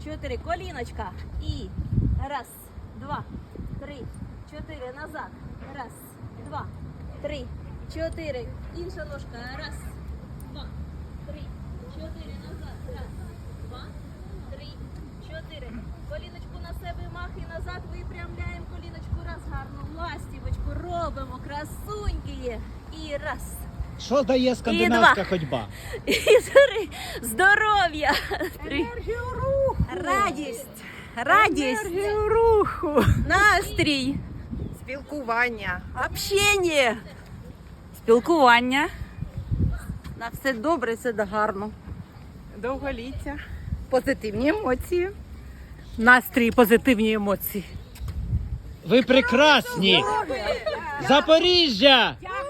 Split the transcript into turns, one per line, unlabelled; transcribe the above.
4. Коліночка. І раз, два, три, 4. Назад. Раз, два, три, 4. Інша ножка. Раз, два, три, 4. Назад. Раз, два, три, 4. Коліночку на себе, мах і назад. Випрямляємо коліночку. Раз, гарну ластівочку робимо. Красуньки. І раз.
Що дає скандинавська ходьба?
І 3. Здоров'я. 3.
Енергію руху.
Радість. Радість.
Енергію руху.
Настрій.
Спілкування.
Общення. Спілкування. На все добре, все гарно.
Довголіття. Позитивні емоції. Настрій, позитивні емоції.
Ви прекрасні! Запоріжжя!